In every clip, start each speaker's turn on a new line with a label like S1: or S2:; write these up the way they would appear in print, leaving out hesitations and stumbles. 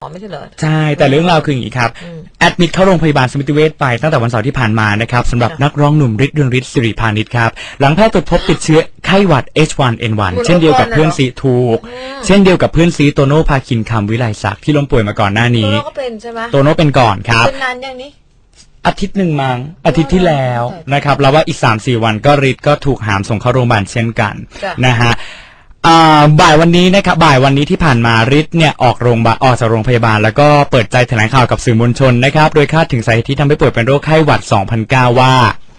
S1: ไม่ใช่เหรอ
S2: ใช่แต่เรื่องราวคืออย่างนี้ครับแอดมิดเข้าโรงพยาบาลสมิติเวชไปตั้งแต่วันเสาร์ที่ผ่านมานะครับสำหรับนักร้องหนุ่มฤทธิ์เรืองฤทธิ์สิริพานิชครับหลังแพทย์ตรวจพบติดเชื้อไข้หวัด H1N1 เช่นเดียวกับเพื่อนซีถูกเช่นเดียวกับเพื่อนซีโตโน่ภาคินคำวิไลศักดิ์ที่ล้มป่วยมาก่อนหน้านี้
S1: โตโน่ก็เป็นใช่ไหม
S2: โตโน่เป็นก่อนครับ
S1: เป็นนานอย่างนี้
S2: อาทิตย์หนึ่งมั้งอาทิตย์ที่แล้วนะครับแล้วว่าอีก 3-4 วันก็ฤทธิ์ก็ถูกหามส่งเข้าโรงพยาบาลเช่นกันนะฮะบ่ายวันนี้นะครับบ่ายวันนี้ที่ผ่านมาฤทธิ์เนี่ยออกจากโรงพยาบาลแล้วก็เปิดใจแถลงข่าวกับสื่อมวลชนนะครับโดยคาดถึงสาเหตุที่ทำให้ป่วยเป็นโรคไข้หวัด 2009 ว่า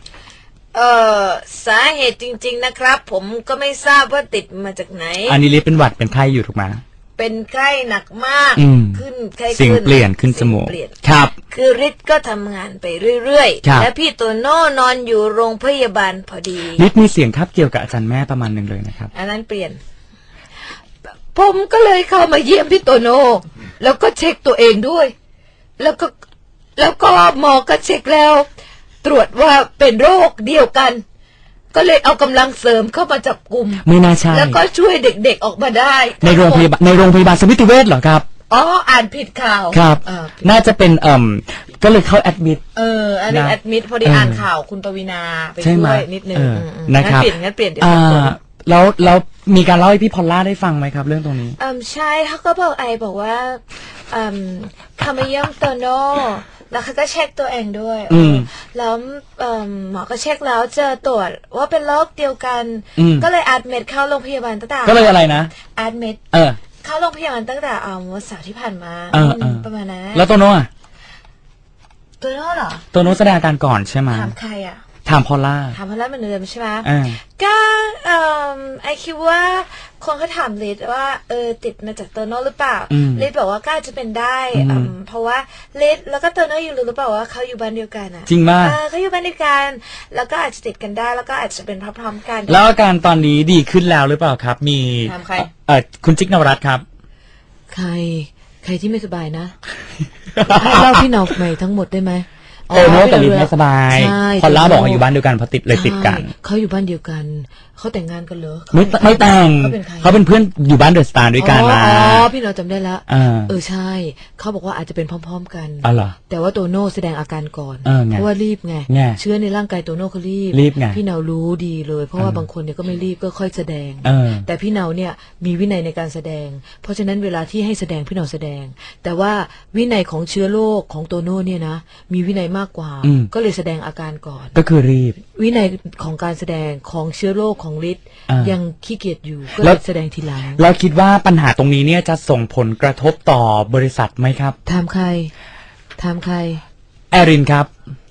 S1: สาเหตุจริงๆนะครับผมก็ไม่ทราบว่าติดมาจากไหน
S2: อันนี้ฤทธิ์เป็นหวัดเป็นไข้อยู่ถูกไหม
S1: เป็นไข้หนักมากขึ้นไข้
S2: สิ่งเปลี่ยนขึ้นจมูกครับ
S1: คือฤทธิ์ก็ทำงานไปเรื่อยๆและพี่โตโน่นอนอยู่โรงพยาบาลพอดี
S2: ฤทธิ์มีเสียงทับเกี่ยวกับอาจารย์แม่ประมาณนึงเลยนะครับ
S1: อันนั้นเปลี่ยนผมก็เลยเข้ามาเยี่ยมพี่โตโน่แล้วก็เช็คตัวเองด้วยแล้วก็หมอก็เช็คแล้วตรวจว่าเป็นโรคเดียวกันก็เลยเอากำลังเสริมเข้ามาจับกลุ่ม
S2: ไม่น่าใช่
S1: แล้วก็ช่วยเด็กๆออกมาได้
S2: ในโรงพยาบาลสมิติเวชเหรอครับ
S1: อ๋ออ่านผิดข่าว
S2: ครับน่าจะเป็นก็เลยเข้าแอดมิด
S1: อันนี้แอดมิดพอดีอ่านข่าวคุณปวีณาไปด้วยนิดนึง
S2: นะครับ
S1: งั้นเปลี่ยน
S2: แล้วมีการเล่าให้พี่พอลล่าได้ฟังไหมครับเรื่องตรงนี้
S1: ใช่เขาก็บอกว่าเขามาเยี่ยมโตโน่แล้วเขาก็เช็คตัวเองด้วยแล้วหมอก็เช็คแล้วเจอตรวจว่าเป็นโรคเดียวกันก็เลยอัดเม็ดเข้าโรงพยาบาลตั้งแต่
S2: ก็เลยอะไรนะ
S1: อัดเม็ดเข้าโรงพยาบาลตั้งแต่วันเสาร์ที่ผ่านมาประมาณนั้น
S2: แล้วโตโน่อะ
S1: โตโน่เหรอ
S2: โตโน่แสดงอาการก่อนใช่ไหม
S1: ถามใครอะ
S2: ถามพอลล่า
S1: เหมือนเดิมใช่ไหมก็ไอคิดว่าคนเขาถามลิศว่าติดมาจากโตโน่หรือเปล่าลิศบอกว่าก็อาจจะเป็นได้เพราะว่าลิศแล้วก็โตโน่อยู่หรือเปล่าว่าเขาอยู่บ้านเดียวกันอะ
S2: จริงมาก
S1: เขาอยู่บ้านเดียวกันแล้วก็อาจจะติดกันได้แล้วก็อาจจะเป็นพร้อมๆกัน
S2: แล้วอาการตอนนี้ดีขึ้นแล้วหรือเปล่าครับมี
S1: ถามใคร
S2: คุณจิ๊กนวรัตน์ครับ
S1: ใครที่ไม่สบายนะให้เล่าพี่นอกใหม่ทั้งหมดได้ไหม
S2: โตโน่กับลิศไม่สบายพอลล่าบอกว่าอยู่บ้านเดียวกันเพราะติดกัน
S1: เขาอยู่บ้านเดียวกันเขาแต่งงานกันเหรอ
S2: ไม่แต่งเขาเป็นเพื่อนอยู่บ้านเดอะสตาร์ด้วยกันมา
S1: พี่เราจำได้แล้วใช่เขาบอกว่าอาจจะเป็นพร้อมๆกันแต่ว่าโตโน่แสดงอาการก่อนเพราะว่ารีบไงเชื้อในร่างกายโตโน่เขารีบ
S2: ไง
S1: พี่เนารู้ดีเลยเพราะว่าบางคนเนี่ยก็ไม่รีบก็ค่อยแสดงแต่พี่เนาเนี่ยมีวินัยในการแสดงเพราะฉะนั้นเวลาที่ให้แสดงพี่เนาแสดงแต่ว่าวินัยของเชื้อโรคของโตโน่เนี่ยนะมีวินัยมากกว่าก็เลยแสดงอาการก่อน
S2: ก็คือรีบ
S1: วินัยของการแสดงของเชื้อโรคของฤทธิ์ยังขี้เกียจอยู่ก็เลยแสดงทีหลัง
S2: เราคิดว่าปัญหาตรงนี้เนี่ยจะส่งผลกระทบต่อบริษัทไหมครับ
S1: ถามใคร
S2: แอรินครับ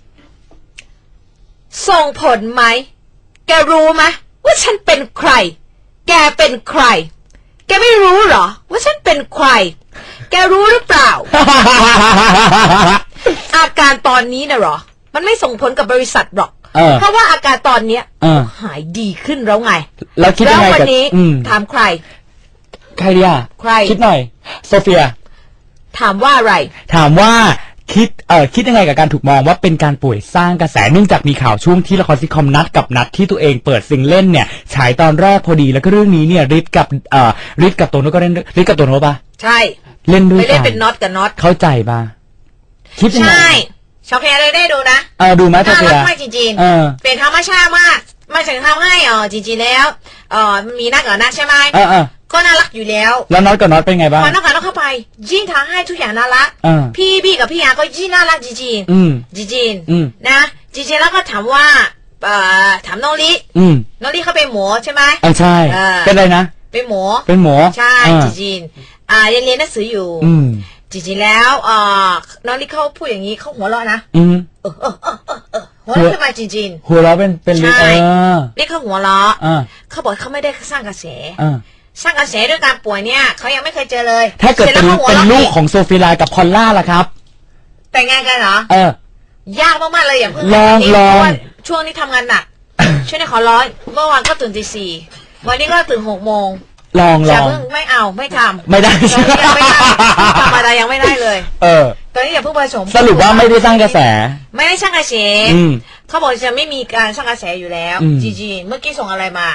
S1: ส่งผลไหมแกรู้ไหมว่าฉันเป็นใครแกเป็นใครแกไม่รู้เหรอว่าฉันเป็นใครแกรู้หรือเปล่า อาการตอนนี้นะหรอมันไม่ส่งผลกับบริษัทหรอกเพราะว่าอาการตอนเนี้ยหายดีขึ้นแล้วไง
S2: แล้วคิดยังไง
S1: วันนี้ถามใคร
S2: ดีอ่ะ
S1: ใคร
S2: คิดหน่อยโซเฟีย
S1: ถามว่าอะไร
S2: ถามว่าคิดยังไงกับการถูกมองว่าเป็นการป่วยสร้างกระแสเนื่องจากมีข่าวช่วงที่ละครซิทคอมนัดที่ตัวเองเปิดซิงเล่นเนี่ยฉายตอนแรกพอดีแล้วก็เรื่องนี้เนี่ยฤทธิ์กับโตโน่ก็เล่นฤทธิ์กับโตโน่ป่ะ
S1: ใช่
S2: เล่นด้วย
S1: ไม่ได้เป็นน็อตกับน็อต
S2: เข้าใจป่ะคิดยังไง
S1: ใช่ชอบแคร์เลยได้ดูนะ
S2: ดูไหมชอบแคร์
S1: น่ารักมากจริงๆเป็นธรรมชาติมากมาถึงทำให้จริงๆแล้วมีนักกับนักใช่ไหมก็น่ารักอยู่แล้ว
S2: น็อตกับน็อตเป็นไงบ้าง
S1: พอน็อตกับน็อตเข้าไปยิ่งทำให้ทุกอย่างน่ารักพี่บี้กับพี่ยาก็ยิ่งน่ารักจริงๆจริงๆนะจริงๆแล้วก็ถามว่าถามน้องลิเขาเป็นหมอใช่ไหม
S2: ใช่เป็นอะไรนะ
S1: เป็นหมอใช่จริงๆยังเรียนหนังสืออยู่จริงๆแล้วน้องลิเขาพูดอย่างนี้เขาหัวเราะนะหัวเราะขึ้นมาจริง
S2: ๆหัวเราะเป็น
S1: ใช่ลิเขาหัวเราะเขาบอกเขาไม่ได้สร้างกระแสสร้างกระแสด้วยการป่วยเนี่ยเขายังไม่เคยเจอเลย
S2: ถ้าเกิดเป็นลูกของโซฟีไลกับพอลล่าล่ะครับ
S1: แต่งงานกันเหรอยากมากๆเลยอย่าเพิ่ง
S2: ลอง
S1: ช่วงนี้ทำงานหนักช่วงนี้ขอร้อยเมื่อวานก็ตื่นตี 4วันนี้ก็ตื่น6 โมง
S2: ลอง
S1: ไม่เอาไม่ทำ
S2: ไม่ได้
S1: ยังไม่ได้ทำอะไรยังไม่ได้เลยตอนนี้อย่าเพิ่งผสม
S2: สรุปว่าไม่ได้สร้างกระแส
S1: ไม่ได้สร้างกระแสเขาบอกจะไม่มีการสร้างกระแสอยู่แล้วจีเมื่อกี้ส่งอะไรมา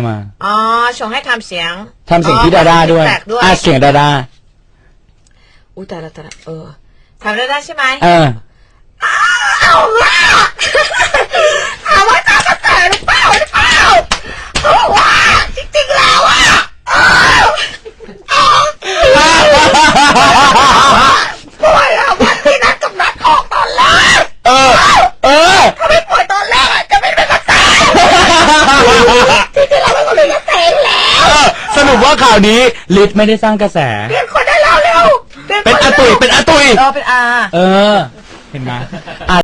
S1: ส่งให้ทำเสียง
S2: ที่ดาด้าด้วยเสียงดาด้า
S1: อุ้ยแต่ละทำได้ใช่ไหม เอาล่ะถามว่าตามกระแสหรือเปล่าเพราะว่าจริงๆแล้วอ่ะป่วยอ่ะวันที่นัดกับนัดออกตอนแรกถ้าไม่ป่วยตอนแรกอ่ะจะไม่เป็นกระแสจริงๆเราไม่เป็นกระแสแล้ว
S2: สรุปว่าข่าวนี้ฤทธิ์ไม่ได้สร้างกระแส
S1: เปลี่ยนคนได้แล้วเร็ว
S2: เป็นอาตุย
S1: เป็นอา
S2: เห็นไหม